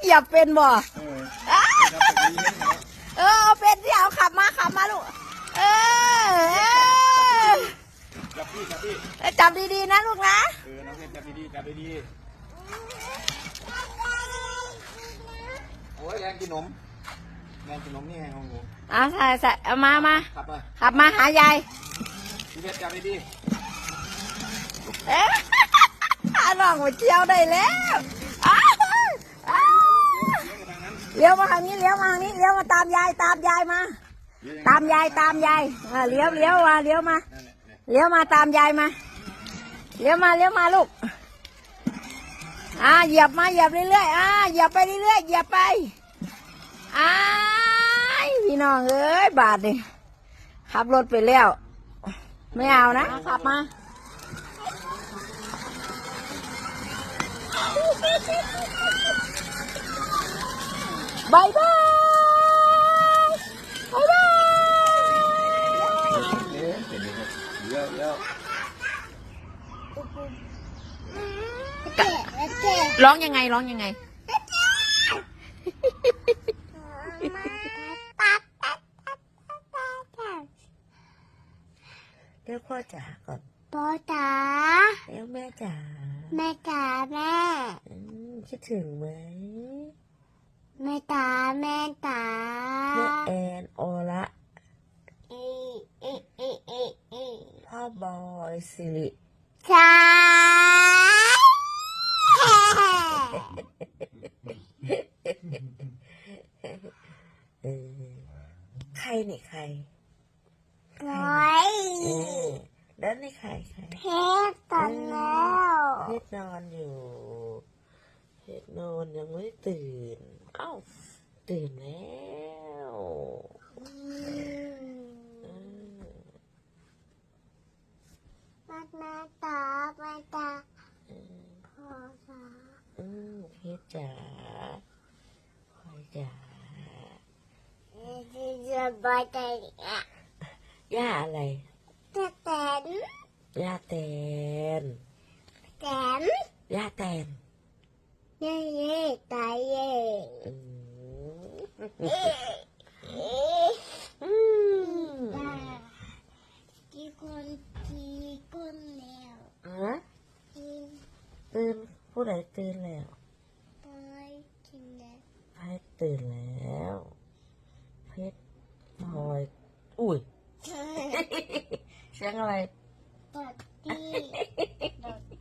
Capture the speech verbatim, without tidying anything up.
เหยียบเป็นบ่เออเออเป็นที่เอาขับมาขับมาลูกเออจับพี่จับพี่จับดีๆนะลูกนะเออน้องเพชรจับดีๆจับดีๆโอ้ยแรงกินนมแรงกินนมนี่ไงของหนูเอาใส่ใส่เอามามาขับมาขับมาหายายพี่เพชรจับดีเอ๊ะน้องมาเที่ยวได้แล้วอ้าวอ้าวเลี้ยวมาทางนี้เลี้ยวมาทางนี้เลี้ยวมาตามยายตามยายมาๆตามยายตามยายเออเลี้ยวเลี้ยวมาเลี้ยวมาเลี้ยวมาตามยายมาเลี้ยวมาเลี้ยวมาลูกอ่าเหยียบมาเหยียบเรื่อยๆอ่าเหยียบไปเรื่อยๆเหยียบไปอ้ายพี่น้องเอ้ยบาทนี่ขับรถไปแล้วไม่เอานะขับมาบายบายบายบายร้องยังไงร้องยังไงเรียกพ่อจ๋าก่อนพ่อจ๋าเรียกแม่จ๋าแม่จ๋าแม่อืมคิดถึงไหมแม่จ๋าแม่จ๋าแม่แอนโอละเอเอเอเอเอพ่อบอยสิริจ๋าเออใครนี่ใครร้อยเออแล้วนี่ใครใครเพชรตอนแล้วเพชรนอนอยู่เพชรนอนยังไม่ตื่นเอ้าตื่นแล้วเออแม่แม่จ๋าแม่จ๋าพ่อจ๋าอืมเพชรจ๋าพลอยจ๋าเอจะจะบายใจอ่ะย่าอะไรจะแตนย่าแตนแตนย่าแตนเย่เย่ตายเย่อืมเอ๊ะเอ๊ะอืมกี่คนกี่คนแล้วฮะกินตื่นผู้ใดตื่นแล้วไปกินแล้วเพชรตื่นแล้วเพชรพลอยอุ้ยเสียงอะไรปอดตี้ปอด